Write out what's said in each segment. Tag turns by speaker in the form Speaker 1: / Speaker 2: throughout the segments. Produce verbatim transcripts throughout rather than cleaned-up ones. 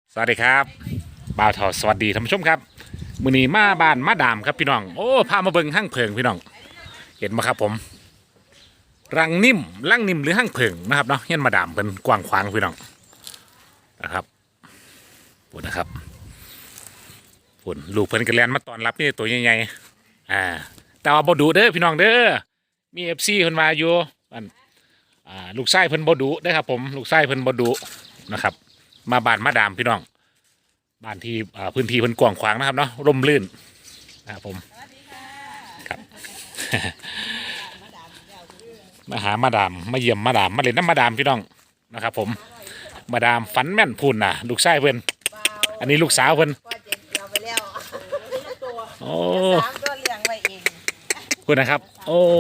Speaker 1: สวัสดีครับบ่าวทอสวัสดีท่านผู้ชมครับมื้อนี้มาบ้านมาดามครับพี่น้องโอ้พามาเบิ่งห้างเพิงพี่น้องเห็นไหมครับผมรังนิ่มรังนิ่มหรือห้างเพิงนะครับเนาะเฮียนมาดามเป็นกว้างขวางพี่น้องนะครับปวดนะครับปวดลูกเพิ่นกระแลนมาตอนรับนี่ตัวใหญ่ๆอ่าแต่ว่าบ่ดุเด้อพี่น้องเด้อมี เอฟ ซี เพิ่นมาอยู่อันอ่าลูกชายเพิ่นบ่ดุเด้อครับผมลูกชายเพิ่นบ่ดุนะครับมาบ้านมาดามพี่น้องบ้านที่พื้นที่เพิ่นกว้างขวางนะครับเนาะร่มรื่นนะครับผมครับ มาหามาดามมาเยี่ยมมาดามมาเล่นน้ำมาดามพี่น้องนะครับผมมาดามฝันแม่นพูนน่ะลูกชายเพิ่นอันนี้ลูกสาวเพิ่นโอ้คุณนะครับโอ้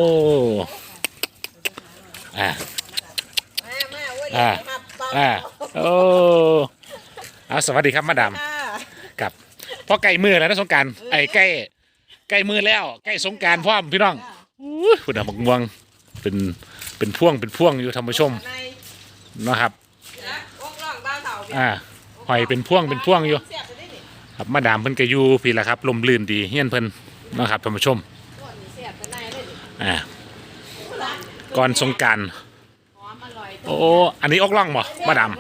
Speaker 1: อ่าอ่าอ่าโอ้เอาสวัสดีครับมาดามกับพอใกล้มือแล้วนะสงกรานต์ไอ้ใกล้ใกล้มือแล้วใกล้สงกรานต์พร้อมพี่น้องคุณอ่ะหมกม่วงเป็นเป็นพ่วงเป็นพ่วงอยู่ธรรมชมนะครับอ่าหอยเป็นพ่วงเป็นพ่วงอยู่ครับมาดามเพิ่นก็อยู่พี่ละครับลมลื่นดีเฮียนเพิ่นนะครับธรรมชมอ่าก่อนสงกรานต์โอ้อันนี้อกล่องบ่มาดาม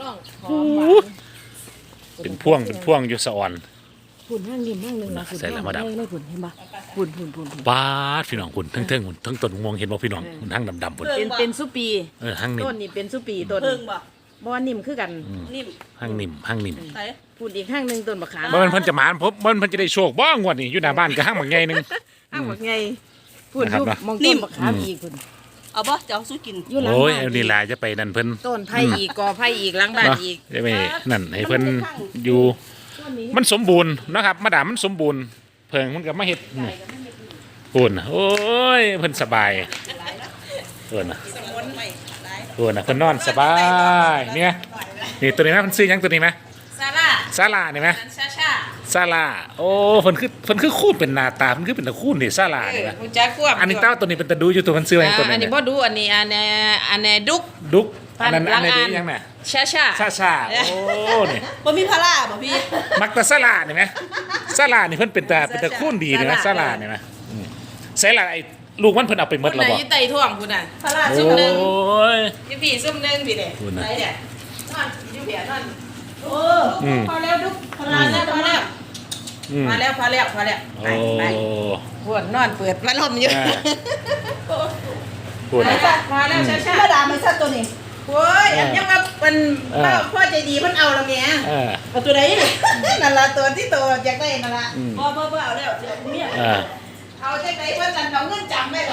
Speaker 1: เป็นพ่วงเป็นพ่วงอยู่สะอ่อน
Speaker 2: ฝุ่นห้างดินห้างหนึ่งนะฝุ่นห้างได้เลยฝุ่นเห็นปะฝุ่นฝุ่นฝุ่น
Speaker 1: บาดพี่น้องฝุ่นทั้งเทิงฝุ่นทั้งต้นม่วงเห็นบ่พี่น้องฝุ่นทั้งดำๆฝุ่น
Speaker 2: เป็นเป็นสุปี
Speaker 1: เออห้างนิ่ม
Speaker 2: ต้นนี่เป็นสุปีต้นบ่นิ่มคือกัน
Speaker 1: นิ่มห้างนิ่มห้างนิ่ม
Speaker 2: ฝุ่นอีกห้างหนึ่งต้นมะขาม
Speaker 1: บ่มันเพิ่นจะหมานพบมันเพิ่นจะได้โชคบ่งวดนี้อยู่หน้าบ้านก็ห้างบักใหญ่นึง
Speaker 2: ห้างบักใหญ่ฝุ่นอยู่มองต้นมะขามอีกฝุ่น
Speaker 3: เอาบ่จะเอาสู้กิน
Speaker 1: โอ้ยเอานี่ล่ะจะไปนั่นเพิ่น
Speaker 2: ต้นไผ่อีกกอไผ่อีกหลังบ้านอีก
Speaker 1: จะไปนั่นให้เพิ่นอยู่มันสมบูรณ์นะครับมาดามมันสมบูรณ์เพิงมันก็มาเฮ็ดปุ่นโอ้ยเพิ่นสบายเพิ่นน่ะเพิ่นน่ะเพิ่นนอนสบายเนี่ยนี่ตัวนี้นะเพิ่นซื้อหยังตัวนี้มั้ย
Speaker 3: ซาร่า
Speaker 1: ซาร่านี่มั้ย
Speaker 3: ชาชา
Speaker 1: ซาร่าโอ้เพิ่นคือเพิ่นคือคูนเป็นหน้าตาเพิ่นคือเป็นตะคูนนี่ซาร่านี่มั้ย
Speaker 3: รู้จักควบ
Speaker 1: อันนี้เต้าตัวนี้เป็นตะดูอยู่ตัวมันซื้อหยังตัวนี้
Speaker 3: อันนี้บ่ดูอันนี้อันนี้อันนี้ดุก
Speaker 1: ดุกอันนั้นอันนี้ยังไง
Speaker 3: ชาชา
Speaker 1: ชาชาโอ้นี่
Speaker 3: บ่มีพาราบ่พี่
Speaker 1: มักตะซาร่านี่มั้ยซาร่านี่เพิ่นเป็นตาเป็นตะคูนดีนี่มั้ยซาร่านี่มั้ยใส่ละไอ้ลูกมันเพิ่นเอาไปหมดแล้วบ่
Speaker 3: อยู่ใต้ท้องพุ่นน่ะพาราซุ่มนึง
Speaker 1: โอ้ย
Speaker 3: พี่พี่ซุ่มนึงพี่เด้ไอ้เนี่ยนอนอยู่เพียนอนโอ้พอแล้วดุกพาราแล้วพอแล้วมาแล้วพอแล้วพอแล้วไปไปปวดนอนเปิดพัดลมอยู่
Speaker 1: ปวด
Speaker 3: มาแล้วชาชามาดามไม่ซัดตัวนี้โอ้ยยังมาเป็นพ่อใจดีมันเอาแล้วเมียเอาตัวไหนนั่นละตัวที่ตัวอยากได้นั่นละพ่อพ่อพ่อเอาแล้วเมียเอาใจไหนพ่อจันเอาเงินจำได้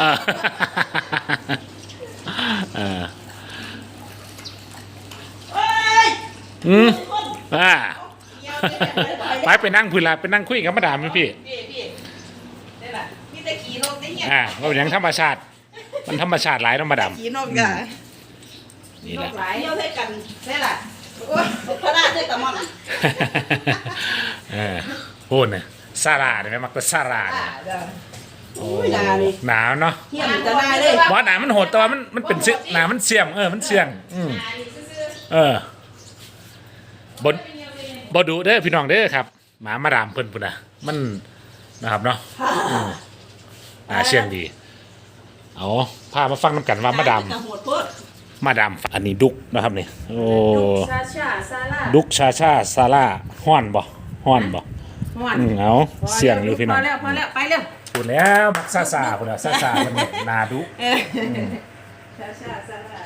Speaker 1: อืมอ่าไปไปนั่งพูดละไปนั่งคุยกับมาดามพี่พี่
Speaker 3: นี่แหละพี่ตะกี้นกได้เหี้ย
Speaker 1: อ่าว่าเป็นอย่างธรรมชาติมันธรรมชาติหลายน้องมาดาม
Speaker 3: ขี่นกกัน
Speaker 1: นี่แหละ
Speaker 3: หลายเยี่ยวให้กันนี่แหละโอ้ยพระราชตะมอน
Speaker 1: เออพูดเนี่ยซาร่าเนี่ยมักจะซาร่าเนี่ย
Speaker 3: โอ้ยหนาวนี่
Speaker 1: หนาวเนาะ
Speaker 3: เที่ยงจะได้เลย
Speaker 1: บอสหนามันโหดแต่ว่ามันมันเป็นเสียหนามันเสี่ยงเออมันเสี่ยงอืมเออบนบดูเด้อพี่น้องเด้อครับหมามาดามเพิ่นพุ่นนะมันนะครับเนาะอ่าเสี่ยงดีเอาพามาฟังน้ำกันว่ามาดามมาดามอันนี้ดุกนะครับนี่โอ้
Speaker 3: ชาชาซาร่า
Speaker 1: ดุกชาชาซาร่าฮ้อนบ่ฮ้อนบ่
Speaker 3: ฮ้อน
Speaker 1: เอาเสี่ยงอยู่พี่น้อง
Speaker 3: พอแล้วพอแล้วไปเร็ว
Speaker 1: พูดแล้วมักซาซาพุ่นน่ะซาซามันนาดุ
Speaker 3: ชาชาซาร่า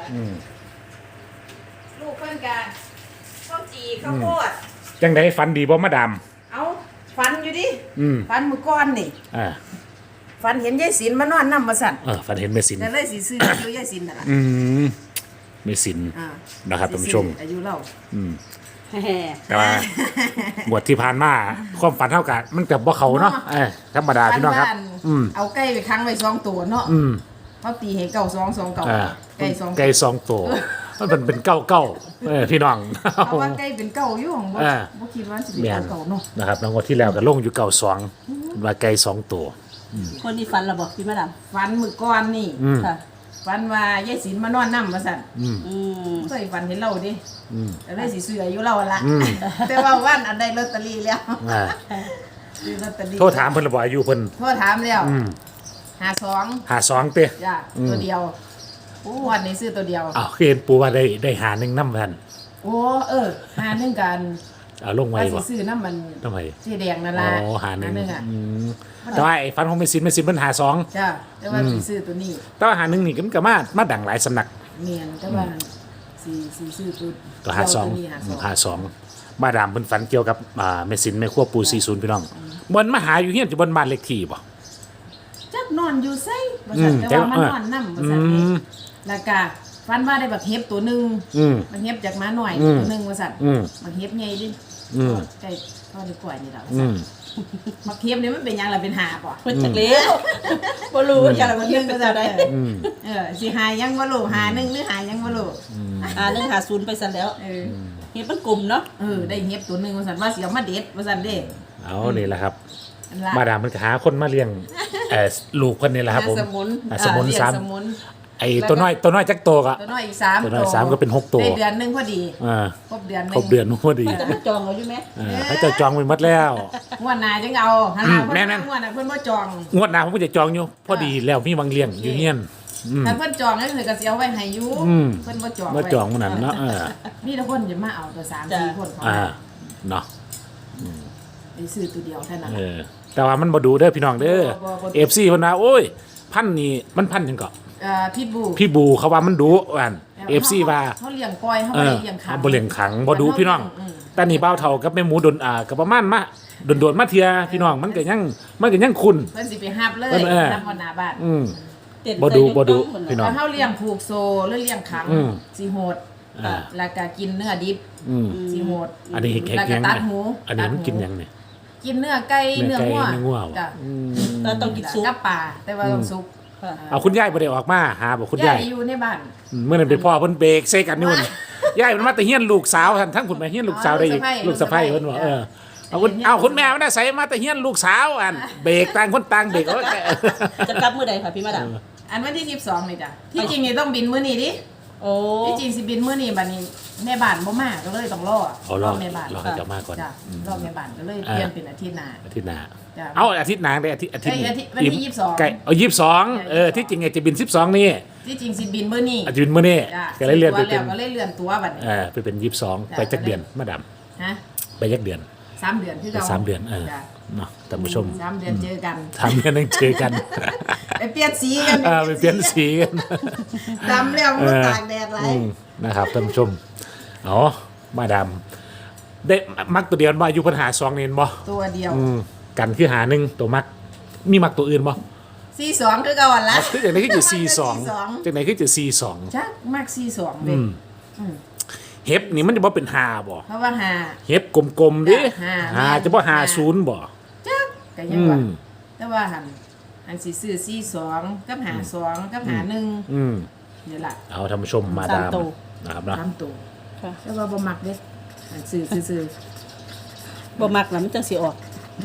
Speaker 3: ลูกเพิ่นกะข้าวจีข้าวโพด
Speaker 1: จังได๋ฝันดีบ่มาดาม
Speaker 3: เอาฝันอยู่ดิฝันมื้อก่อนนี่
Speaker 1: อ่า
Speaker 3: ฝันเห็นยายศิลป์มานอนนำมาสั่น
Speaker 1: เออฝันเห็นแม่ศิลป์
Speaker 3: แต่เลยสิซื้ออยู่ยายศิลป์นั่นล่ะ
Speaker 1: อืมแม่ศิลป์นะครับท่านผู้ชม
Speaker 3: อายุเรา
Speaker 1: อืมแต่ว่าบทที่ผ่านมาความฝันเท่ากันมันกับบ่เขาเนาะเออธรรมดาพี่น้องครับ
Speaker 3: อืมเอาไก่ไปค้างไว้สองตัวเนาะ
Speaker 1: อืม
Speaker 3: เฮาตีให้เก้าสอง สองเก้าไก่สอง
Speaker 1: ไก่สองตัวมันเป็นเป็นเก้าเก้าเออพี่น้อง
Speaker 3: เพราะว่าไก่เป็นเก้าอยู่ของบ่บ่คิดว่าสิเป็นเก้าเนาะ
Speaker 1: นะครับแล้วงวดที่แล้วก็ลงอยู่เก้าสองว่าไก่สองตัว
Speaker 3: คนนี้ฝันระบอกพี่มาดามฝันมือก้อนนี่ค่ะฝันว่ายายศิลป์มานอนนำว่าซั่น
Speaker 1: อืม
Speaker 2: อืม
Speaker 3: เคยฝันเห็นเราดิ
Speaker 1: อืม
Speaker 3: ก็เลยสิซื้ออายุเราละ
Speaker 1: อืม
Speaker 3: แต่ว่าวันอันได้ลอตเตอรี่แล้ว
Speaker 1: อ่า
Speaker 3: ซื้อลอตเตอรี่
Speaker 1: โทรถามเพิ่นระบอกอายุเพิ่น
Speaker 3: โทรถามแล้ว
Speaker 1: อืม
Speaker 3: หาสอง
Speaker 1: หาสองเต้
Speaker 3: จ้ะ
Speaker 1: อืม
Speaker 3: ตัวเดียวโอ้วันนี้ซื้อตัวเดียว
Speaker 1: อ้าวคือเห็นปูว่าได้ได้หาหนึ่งน้ำพัน
Speaker 3: โอ้เออหาหนึ่งกัน
Speaker 1: เอาลงไว้
Speaker 3: ว่าสิ
Speaker 1: บ่
Speaker 3: ซื้อน้ำมัน
Speaker 1: ทำไม
Speaker 3: สีแดงนั่น
Speaker 1: อ๋
Speaker 3: ละ
Speaker 1: อหาหนึ่ง
Speaker 3: อ่ะ
Speaker 1: อืมแต่ว่าไอ้ฟันของเมซินเมซินเพิ่นหาสอง
Speaker 3: จ้ะแต่ว่า
Speaker 1: อืม
Speaker 3: สิซื้อตัวนี้
Speaker 1: แต่ว่าหาหนึ่งนี่ก็มันก็มามาดังหลายสำนัก
Speaker 3: เมียนแต่ว่าสีสีซื้อตัว
Speaker 1: ตัวหาสอง
Speaker 3: ตัวนี้หาสอง
Speaker 1: หาสองมาดามเพิ่นฝันเกี่ยวกับอ่าเมซินแม่ครัวปูสี่สิบพี่น้องบนมาหาอยู่เฮียนอยู่บนบ้านเลขที่บ่
Speaker 3: จักนอนอยู่ไสบ่
Speaker 1: อื
Speaker 3: ซั่น
Speaker 1: ม
Speaker 3: แต่ว่ามัน
Speaker 1: แต่ว่า
Speaker 3: นอนนำบ่
Speaker 1: อื
Speaker 3: ซั่นเด้
Speaker 1: ม
Speaker 3: แล้วก็ฟันว่าได้บักเห็บตัวหนึง
Speaker 1: อืม
Speaker 3: บักเห็บจากหมาหน่อย
Speaker 1: อืม
Speaker 3: ตัวหนึงว่าซั่น
Speaker 1: อืม
Speaker 3: บักเห็บใหญ่ดิ
Speaker 1: อืม
Speaker 3: ใกล้ทอดดีกว่านี่ล่ะว่า
Speaker 1: อื
Speaker 3: ซั่น
Speaker 1: ม
Speaker 3: บักเห็บนี่มันเป็นหยังล่ะเป็นหาบ่
Speaker 2: เพิ่นจักแล้วบ่รู้ว่าจะละมันเฮ็ดไปซะได้
Speaker 1: อืม
Speaker 3: เออสิหายังบ่รู้หาหนึ่งหรือหายังบ่รู้
Speaker 2: อ่าหนึ่งหาศูนย์ไปซะแล้ว
Speaker 3: เออ
Speaker 2: เฮ็ดมันกลุ่มเนาะ
Speaker 3: เออได้เห็บตัวหนึงว่าซั่นว่าสิเอามาเด็ดว่าซั่นเด้
Speaker 1: เอานี่แหละครับ
Speaker 3: อันละ
Speaker 1: มาดามเพิ่นก็หาคนมาเลี้ยงเอ่อลูกเพิ่นนี่แหละครับผม
Speaker 3: สมุน
Speaker 1: อ่าสมุน
Speaker 3: อ่เรียก
Speaker 1: สาม
Speaker 3: สมุน
Speaker 1: ไอ้ตัวน้อยตัวน้อยจักโตก็
Speaker 3: ตัวน้อยอีกสาม
Speaker 1: ตัวน้อยสามก็เป็นหกตัว
Speaker 3: ได้เดือนหนึงพอดี
Speaker 1: อ่า
Speaker 3: ครบเดือนหนึง
Speaker 1: ครบเดือนพอดี
Speaker 2: มันจะมาจองเอาอยู่ไหม
Speaker 1: อ่าเขาจะจองไว้หมดแล้ว
Speaker 3: งวดหน้าจังเอาหันห
Speaker 1: อื
Speaker 3: น้าม เพิ่น
Speaker 1: แม่
Speaker 3: มาน
Speaker 1: ๆ
Speaker 3: งวดน่ะเพิ่นบ่จอง
Speaker 1: งวดหน้าผมก็จะจองอยู่ พอดีแล้วมีวังเลี้ยงอยู่เฮียนอืม
Speaker 3: ถ้าเพิ่นจองแล้วเพิ่นก็สิเอาไว้ให้อยู่
Speaker 1: อืม
Speaker 3: เพิ่นบ่จอง
Speaker 1: มา
Speaker 3: ไว้
Speaker 1: จองมันนั้นเนาะเออ
Speaker 3: มีแต่คนจะมาเอาตัวสามสี่คนเขา
Speaker 1: อ่าเนาะ
Speaker 3: ไปซื้อตัวเดียวเท่านั้น
Speaker 1: เออแต่ว่ามันบ่ดูเด้อพี่น้องเด้อ
Speaker 3: บ่บ่บ่
Speaker 1: เอฟซีเพิ่นว่าโอ้ยพันธุ์นี่มันพันธุ์หยังก็
Speaker 3: เอ่อพิษบู
Speaker 1: พี่บูเขาว่ามันดุว่าอั่น เอฟซีว่า
Speaker 3: เขาเลี้ยงปล่อยเขา
Speaker 1: เอ
Speaker 3: บ่
Speaker 1: อ
Speaker 3: ได้เลี้ยงขัง
Speaker 1: บ่เลี้ยงขังบ่ดูพี่น้อง
Speaker 3: อืม
Speaker 1: แต่นี่เบ้าเท่ากับแม่หมูดนอ่าก็ประมาณมาโดนๆมาเทียพี่น้องมันก็ยังมันก็ยังคุ้น
Speaker 3: เพิ่นสิไปหับเลย
Speaker 1: เพิ่นเออ
Speaker 3: นำเอาหน้าบ้าน
Speaker 1: อืม
Speaker 2: เต้น
Speaker 1: บ่ดูบ่ดู
Speaker 2: ใส่
Speaker 1: พี่น้อง
Speaker 3: ถ้าเขาเลี้ยงผูกโซหรือเลี้ยงขัง
Speaker 1: อืม
Speaker 3: สิโหด
Speaker 1: อ่า
Speaker 3: แล้วก็กินเนื้อดิบ
Speaker 1: อืม
Speaker 3: สิโหด
Speaker 1: อันนี้แข็ง
Speaker 3: แล้วก็
Speaker 1: ยัง
Speaker 3: ตัด
Speaker 1: ไง
Speaker 3: หู
Speaker 1: อันนี้มัน
Speaker 3: ตัดหู
Speaker 1: กินยังเนี่ย
Speaker 3: กินเนื้อไก่
Speaker 1: เนื้
Speaker 3: เนื้
Speaker 1: อ
Speaker 3: อ
Speaker 1: ไก่
Speaker 3: งัว
Speaker 1: เนื้องัว
Speaker 3: จ้ะ
Speaker 1: อืม
Speaker 2: เราต้องกินซุป
Speaker 3: กับปลาแต่ว่าต้องสุก
Speaker 2: ค่ะ
Speaker 1: เอาคุณยายบ่ได้ออกมาหาบ่คุณยาย
Speaker 3: ยายอยู่ในบ้าน
Speaker 1: อืมเมื่อนั้นเป็นพ่อเพิ่นเบรกใส่กันนี่มันยายมันมาแต่เฮียนลูกสาวท่านทั้งคุณแม่เฮียนลูกสาวได้อีกลูกสะใภ้เพิ่นว่าเออเอาคุณเอาคุณแม่มันได้ใส่มาแต่เฮียนลูกสาวอันเบรกต่างคนต่างเบรกเอาไว้
Speaker 2: จะกลับมื้อใดค่ะพี่มาดาม
Speaker 3: อันวันที่สิบสองนี่จ้ะที่จริงนี่ต้องบินมื้อนี้ดิ
Speaker 2: โอ้
Speaker 3: ที่จริงสิบินมื้อนี้บัดนี้แม่บ้านบ่มาก็เลยต้องรอ
Speaker 1: เอารอ
Speaker 3: แม่บ้าน
Speaker 1: รอให้เจ้ามาก่อน
Speaker 3: จ้ะ
Speaker 1: อืม
Speaker 3: รอแม่บ้านก็เลยเปลี่ยนเป็นอาทิตย์หน้า
Speaker 1: อาทิตย์หน้า
Speaker 3: จ้ะ
Speaker 1: เอาอาทิตย์หน้าได้อาทิตย์อาทิตย์
Speaker 3: เอ้ยอาทิตย์วันที่ยี่สิบสอง
Speaker 1: ใกล้เอายี่สิบสองเออที่จริงไงจะบินสิบสองนี่
Speaker 3: ที่จริงสิบินมื้อนี้
Speaker 1: อาจจะบินมื้อนี้
Speaker 3: จ้ะ
Speaker 1: ก็เลยเลื่อนไป
Speaker 3: ตัว
Speaker 1: เป็
Speaker 3: แล้
Speaker 1: น
Speaker 3: วก็เลยเลื่อนตัวบัดนี้
Speaker 1: เออไปเป็นยี่สิบสอง
Speaker 3: จ้ะ
Speaker 1: ไปจักเดือนมาดาม
Speaker 3: ฮะ
Speaker 1: ไปจักเดือน
Speaker 3: สามเดือนคือ
Speaker 1: ไป
Speaker 3: เก่า
Speaker 1: สามเดือนเออ
Speaker 3: จ้ะ
Speaker 1: เนาะท่านผู้ชม
Speaker 3: สามเดือนเจอกัน
Speaker 1: สามเดือนนึงเจอกัน
Speaker 3: ไปเปลี่ยนสีกัน
Speaker 1: เออไปเปลี่ยนสีกัน
Speaker 3: ดำแล้วมันก็ตากแดดหลาย
Speaker 1: อืมนะครับท่านผู้ชมอ๋อมาดามได้มักตัวเดียวมาอยู่ปัญหาสองเนนบ่
Speaker 3: ตัวเดียว
Speaker 1: อืมกันคือหาหนึ่งตัวมักมีมักตัวอื่นบ่
Speaker 3: สี่สองคือเก่าหั่นละ
Speaker 1: คือจากไหนคือจะซีสอง
Speaker 3: สอง
Speaker 1: จากไหนคือจะซีสอง
Speaker 3: จักมักสี่สองเล
Speaker 1: อื
Speaker 3: ย
Speaker 1: ม
Speaker 3: อืม
Speaker 1: เฮ็บนี่มันจะบ่เป็นหาบ่
Speaker 3: เพราะว่าหา
Speaker 1: เฮ็บกลมๆดิ
Speaker 3: จ้ะห้า
Speaker 1: หาจะบ่หาศูนย์บ่
Speaker 3: จักก็ยั
Speaker 1: อื
Speaker 3: งว่า
Speaker 1: ม
Speaker 3: แต่ว่าหันหันสิซื้อสี่สองกับหาสองกับหาหนึ่ง
Speaker 1: อืม
Speaker 3: นี่แหละ
Speaker 1: เอาท่านผู้ชมมาดามนะครับเนาะ
Speaker 3: สามตัว
Speaker 2: ค่ะ
Speaker 3: แต่ว่าบ่มักเด้หันซื้อซื้อซื้อ
Speaker 2: บ่มักนะมันจังสิออก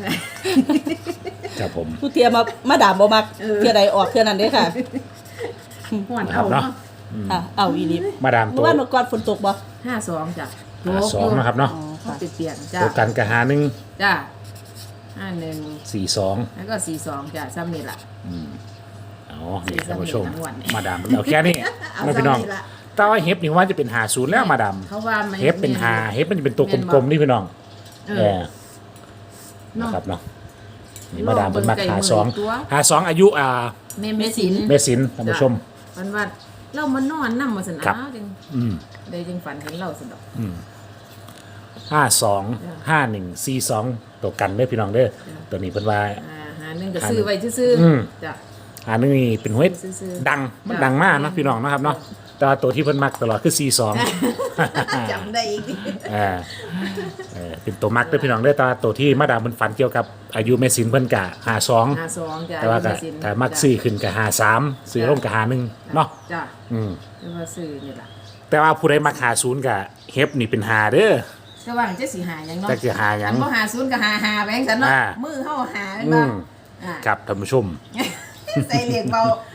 Speaker 1: ครับผม
Speaker 2: ผู้เทียมามาดามบ่มักเทียใดออกเทียนั้นเด้อค่ะ
Speaker 3: ห่วน
Speaker 1: ครั
Speaker 3: เอา
Speaker 1: บเนาะ
Speaker 3: เนาะ
Speaker 2: ค่ะเอาอีหลี
Speaker 1: มาดาม
Speaker 2: เมื่
Speaker 1: ตั
Speaker 2: อ
Speaker 1: ว
Speaker 2: วานเมื่อก่อนฝนตกบ่
Speaker 3: ห้าสองจ้ะ
Speaker 1: หาสองนะครับเนาะ
Speaker 2: อ๋อ
Speaker 3: เขา
Speaker 2: ค่ะ
Speaker 3: เปลี่ยนจ้ะ
Speaker 1: ตัวกันกับหาหนึ่ง
Speaker 3: จ้ะห้าหนึ่ง
Speaker 1: สี่สอง
Speaker 3: แล้วก็สี่สองจ้ะซ้ำนี่ล่ะ
Speaker 1: เอานี่ท่านผู้ชม
Speaker 3: สี่สองนี่
Speaker 1: มาดามเอาแค่นี้
Speaker 3: เอา
Speaker 1: นะพี่น้อง
Speaker 3: ซ้ำนี่ล่ะ
Speaker 1: แต่ว่าเฮ็บนี่ว่าจะเป็นหาศูนย์แล้วมาดาม
Speaker 3: เขาว่ามัน
Speaker 1: เฮ็บเป็นหาเฮ็บมันจะเป็นตัวกลมๆนี่พี่น้อง
Speaker 3: เอ
Speaker 1: เอ
Speaker 3: อ
Speaker 1: อ
Speaker 3: เนาะ
Speaker 1: นะครับเนาะนี่มาดามเป็นมาหาสอง
Speaker 3: ตัว
Speaker 1: หาสองอายุอ่า
Speaker 3: เมเมสิน
Speaker 1: เมสินท่านผู้ชม
Speaker 3: มันว่าเรามานอนนั่งมาสน
Speaker 1: ครับ
Speaker 3: อ้าวจัง
Speaker 1: อืม
Speaker 3: ได้จังฝันเห็นเราสนดอก
Speaker 1: ห้าสอง
Speaker 3: จ้ะ
Speaker 1: ห้าหนึ่งสี่สองตัวกันเด้อพี่น้องเด้อตัวนี้เพิ่นว่า
Speaker 3: อ่าหาหนึ่งก็ซื้อไว้ซื่อ
Speaker 1: อืม
Speaker 3: ๆจ้ะ
Speaker 1: หาหนึ่งนี่เป็นเวท
Speaker 3: ซื่อๆ
Speaker 1: ดังมัน
Speaker 3: จ้ะ
Speaker 1: ดังมากเนาะพี่น้องนะครับเนาะแต่ว่าตัวที่เพิ่นมักตลอดคือสี่สอง
Speaker 3: จำได้อีก
Speaker 1: อ่าเออเป็นตัวมักเด้อพี่น้องเด้อแต่ว่าตัวที่มาดามมันฝันเกี่ยวกับอายุเมสินเพิ่นกะหาสอง
Speaker 3: หาสองจ้ะ
Speaker 1: แต่ว่าก็
Speaker 3: เมสิน
Speaker 1: แต่มักซื้อขึ้นกะหาสามซื้อลงกะหาหนึ่งเนาะ
Speaker 3: จ้ะ
Speaker 1: อืม
Speaker 3: แต่ว่าซื้อนี่ล่ะ
Speaker 1: แต่ว่าผู้ใดมักหาศูนย์กะเฮ็บนี่เป็นหาเด้อ
Speaker 3: แต่ว่าจะสิหาหยังเนาะ
Speaker 1: จักสิหาหยัง
Speaker 3: อันบ่หาศูนย์ก็หาหาแบงค์ซั่นเนาะ
Speaker 1: อ่า
Speaker 3: มือเฮาหาแม่น
Speaker 1: อื
Speaker 3: บ่
Speaker 1: ม
Speaker 3: อ่า
Speaker 1: ครับท่านผู้ชม
Speaker 3: ใส่เหล็กเบา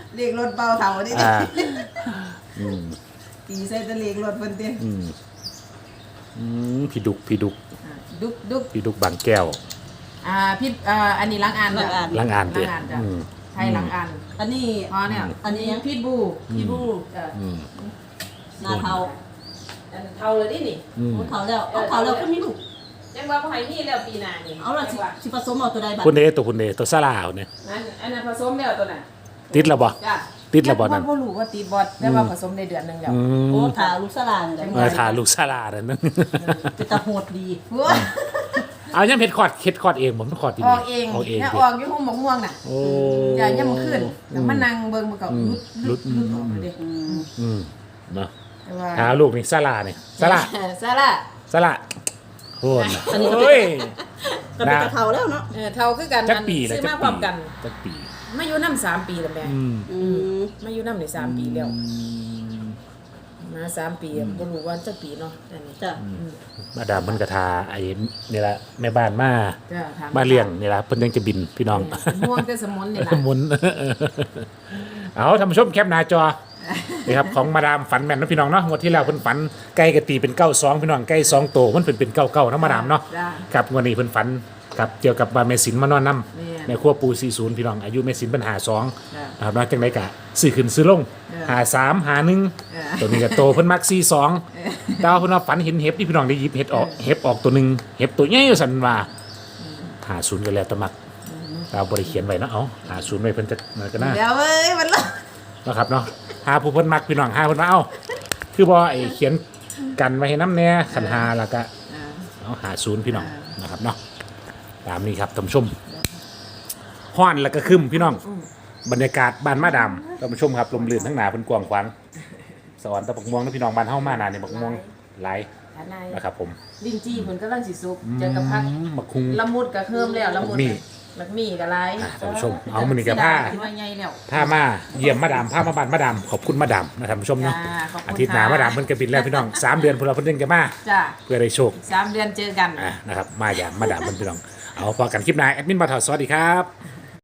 Speaker 3: เรียกรถเบาเท่านี่
Speaker 1: อ่าอืม
Speaker 3: ตีใส่ตะเรียกรถเพิ่นติ
Speaker 1: อืมอืมพี่ดุกพี่ดุก
Speaker 3: ดุกดุก
Speaker 1: พี่ดุกบางแก้ว
Speaker 3: อ่าพี่อ่าอันนี้ล้างอ่านจ้ะ
Speaker 1: ล้างอ่าน
Speaker 3: ล้า
Speaker 1: เตี้ย
Speaker 3: งอ่านจ้ะ
Speaker 1: อืม
Speaker 3: ไทยล้างอ่านอันนี้อ๋อเนี่ยอันนี้พี่บูพี่บูจ้ะ
Speaker 1: อืม
Speaker 3: หน้าเทาอันเทาเลยดินี่
Speaker 1: อืม
Speaker 3: เทาแล้วเอาเทาแล้วก็มีลูกยังว่าบ่ให้มีแล้วปีหน้านี่เอาล่ะสิสิผสมเอาตัวใดบัด
Speaker 1: คุณเดตัวคุณเดตัวซาลาวเนี่ย
Speaker 3: อันอันนั้นผสมแล้วตัวน่ะ
Speaker 1: ติดแล้วบ่
Speaker 3: จ้ะ
Speaker 1: ติดแล้วบ่นั่น
Speaker 3: บ่รู้ว่าติดบ่แต่ว่าผสมได้เดือนนึงแล้ว
Speaker 1: อืม
Speaker 3: โอ้ถาลูกสลานจ้ะ
Speaker 1: เออทาลูกซาลานั่นนึง
Speaker 3: จะตะโหดดี
Speaker 1: เอายังเผ็ดคอดเค็ดคอดเองผมต้องคอดที่
Speaker 3: อ
Speaker 1: นี่
Speaker 3: อกเอง
Speaker 1: ออกเอง
Speaker 3: เนี่ย
Speaker 1: เด้
Speaker 3: ออกอยู่ห้องบักม่วงน่ะ
Speaker 1: โอ้
Speaker 3: อย่าย่ำขึ้นแล้วมานั่งเบิ่งมันก็
Speaker 1: อืม
Speaker 3: ลุด
Speaker 1: ลุ
Speaker 3: ลุ
Speaker 1: ด
Speaker 3: ดลุดออกเลยเด้
Speaker 1: อืมเนาะ
Speaker 3: แต่ว่า
Speaker 1: ทาลูกนี่ซาลาเนี่ยซาลา
Speaker 3: ซาล่ะ
Speaker 1: ซาลาโอ้ยโอ้ย
Speaker 3: ก็เป็นกระเทาแล้วเนาะเออเทาคือกัน
Speaker 1: จักปีแล้ว
Speaker 3: ซื้อ
Speaker 1: จั
Speaker 3: มาก พร้อม
Speaker 1: ปี
Speaker 3: กัน
Speaker 1: จักปี
Speaker 3: มาอยู่นำสามปีแล้วแม่
Speaker 1: อืม
Speaker 3: อืมมาอยู่นำได้สามปีแล้ว
Speaker 1: อืม
Speaker 3: มาสามปีอะบ่รู้ว่าจักปีเนาะอันนี้จ้ะ
Speaker 1: มาดามเพิ่นกระทาไอ้นี่ละแม่บ้านมา
Speaker 3: จ้ะถ
Speaker 1: มาเลี้ยงนี่ละเพิ่นยังจะบินพี่น้อง
Speaker 3: ม่วงแต่สมุนนี่ล่ะ
Speaker 1: หมุน เอาท่านผู้ชมแคปหน้าจอนี่ครับของมาดามฝันแม่นเนาะพี่น้องเนาะงวดที่แล้วเพิ่นฝันไก่กะตีเป็นเก้าสองพี่น้องไก่สองโตวมันเป็นเป็นเก้าเก้าเนาะมาดามเนาะ
Speaker 3: จ้ะ
Speaker 1: ครับงวดนี้เพิ่นฝันครับเกี่ยวกับบ้านแม่สินมานอนนำ
Speaker 3: แม่น
Speaker 1: แม่ครัวปูสี่สิบพี่น้องอายุแม่สินเป็นหาสอง
Speaker 3: จ้ะ
Speaker 1: นะครับนอกจากไหนกะซื้อขึ้นซื้อลง
Speaker 3: เออ
Speaker 1: หาสามหาหนึ่ง
Speaker 3: เออ
Speaker 1: ตัวนี้ก็โตเพิ่นมักสี่สองดาวเพิ่นว่าฝันเห็นเห็บที่พี่น้องได้หยิบเห็ดออกเห็บออกตัวหนึ่งเห็บตัวใหญ่สันว่าหาศูนย์กันแล้วแตะมักดาวบริเขียนไว้เนาะเอาหาศูนย์ไว้เพิ่นจะนั่นก็น่า
Speaker 3: เดี๋ยวเอ้ยมันละ
Speaker 1: นะครับเนาะหาผู้เพิ่นมักพี่น้องหาเพิ่นว่าเอ้าคือบ่ไอ้เขียนกันไว้ให้น้ำแน่ขันหาแล้วก็เอาหาศูนย์พี่น้องนะครับเนาะตามนี้ครับท่านผู้ชมฮ้อนแล้วก็ครึ้มพี่น้อง บรรยากาศบ้านมาดำท่านผู้ชมครับลมลื่นทั้งหนาเพิ่นกว้างขวางสวรรค์ตะบักม่วงนะพี่น้องบ้านเฮามาหนาเนี่ยบักม่วงหลาย
Speaker 3: อันไหน
Speaker 1: นะครับผม
Speaker 3: ลิ้นจี้เพิ่นกำลังสิสุกเจอกับพัก
Speaker 1: อืมบักคุง
Speaker 3: ละมุดก็เพิ่มแล้วละมุด
Speaker 1: บักมี่
Speaker 3: บักมี่ก็หลาย
Speaker 1: อ่ะท่านผู้ชมเอามื้อนี้ก็ผ้า
Speaker 3: ที่ว่าใหญ่แล้ว
Speaker 1: ผ้ามาเยี่ยมมาดามผ้ามาบ้านมาดามขอบคุณมาดามนะท่านผู้ชมเนาะ
Speaker 3: จ้าขอบคุณ
Speaker 1: อาทิตย์หน้า
Speaker 3: ค่ะ
Speaker 1: มาดามเพิ่นก็บินแล้วพี่น้องสามเดือนพุ่นเราเพิ่นยังจะมา
Speaker 3: จ้า
Speaker 1: เพื่อได้โชค
Speaker 3: สามเดือนเจอกัน
Speaker 1: อ่ะนะครับมาอย่างมาดามเพิ่นพี่น้องเอาพอกันคลิปหน้าแอดมินบ่าวถอดสวัสดีครับ